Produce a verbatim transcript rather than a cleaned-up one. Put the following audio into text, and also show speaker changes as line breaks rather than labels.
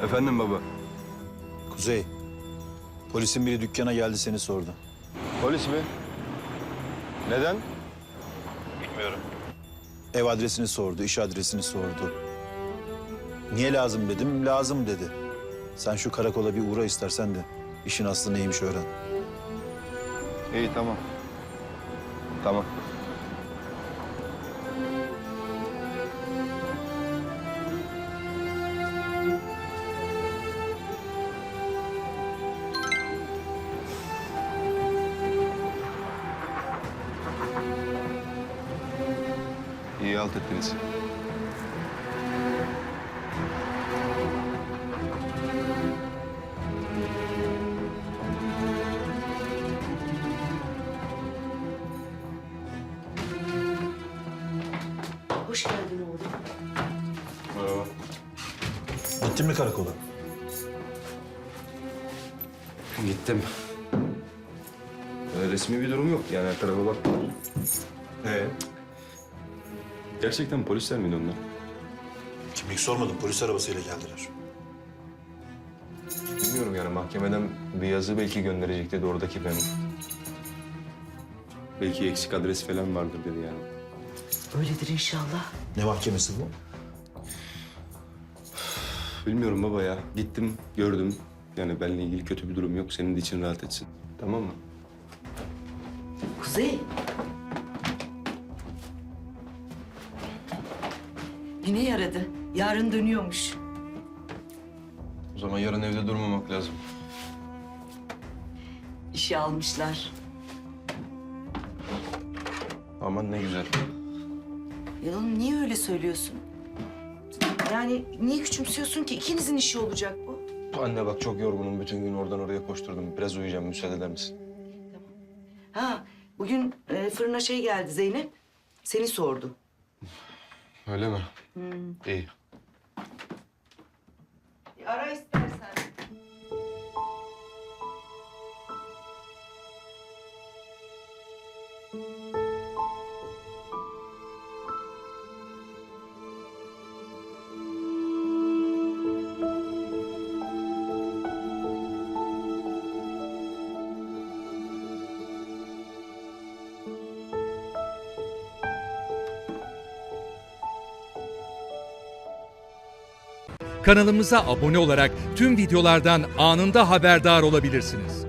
Efendim baba.
Kuzey, polisin biri dükkana geldi seni sordu.
Polis mi? Neden?
Bilmiyorum. Ev adresini sordu, iş adresini sordu. Niye lazım dedim, lazım dedi. Sen şu karakola bir uğra istersen de işin aslı neymiş öğren.
İyi tamam. Tamam. İyi halt ettiniz.
Hoş geldin oğlum.
Merhaba.
Gittin mi karakola?
Gittim. Öyle resmi bir durum yok yani her tarafa baktılar.
Ee?
Gerçekten polisler miydi onlar?
Kimlik sormadım, polis arabasıyla geldiler.
Bilmiyorum yani mahkemeden bir yazı belki gönderecek dedi oradaki memur. Belki eksik adres falan vardır dedi yani.
Öyledir inşallah.
Ne mahkemesi bu?
Bilmiyorum baba ya. Gittim, gördüm. Yani benimle ilgili kötü bir durum yok. Senin de için rahat etsin. Tamam mı?
Kuzey. Yine yaradı. Yarın dönüyormuş.
O zaman yarın evde durmamak lazım.
İşe almışlar.
Aman ne güzel.
Ya oğlum niye öyle söylüyorsun? Yani niye küçümsüyorsun ki? İkinizin işi olacak bu.
Anne bak çok yorgunum. Bütün gün oradan oraya koşturdum. Biraz uyuyacağım. Müsaade eder misin?
Ha, bugün e, fırına şey geldi Zeynep. Seni sordu.
Öyle mi? İyi.
Bir ara istersen.
Kanalımıza abone olarak tüm videolardan anında haberdar olabilirsiniz.